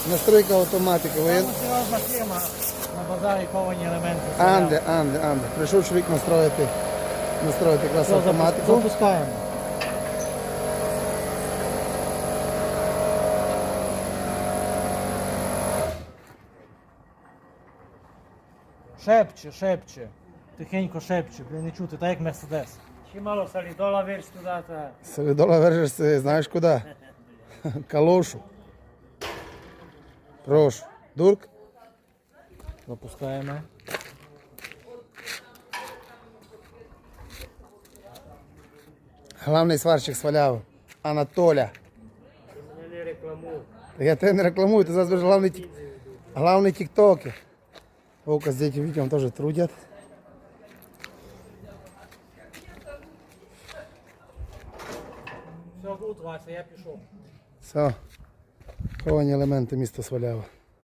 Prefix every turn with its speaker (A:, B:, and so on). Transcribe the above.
A: Настройка автоматики.
B: Там серйозна фірма на базарі ковані елементи.
A: Анде. Прийшов чоловік настроїти якраз
B: Все,
A: автоматику.
B: запускаємо. Шепче. Тихенько шепче, блін, не чути, так як Мерседес. Ще мало солідола вирш туди, та...
A: Солідола вержешся, знаєш куди? Калошу. Прошу. Дурк.
B: Запускаємо.
A: Главний сварщик сваляв. Анатоля.
B: Я не рекламую.
A: Я тебе не рекламую, ти зараз будеш главний тіктокер. Око з этим видео теж трудять.
B: Все, гуд, Вася, я пішов.
A: Все. Ховані елементи міста Свалява.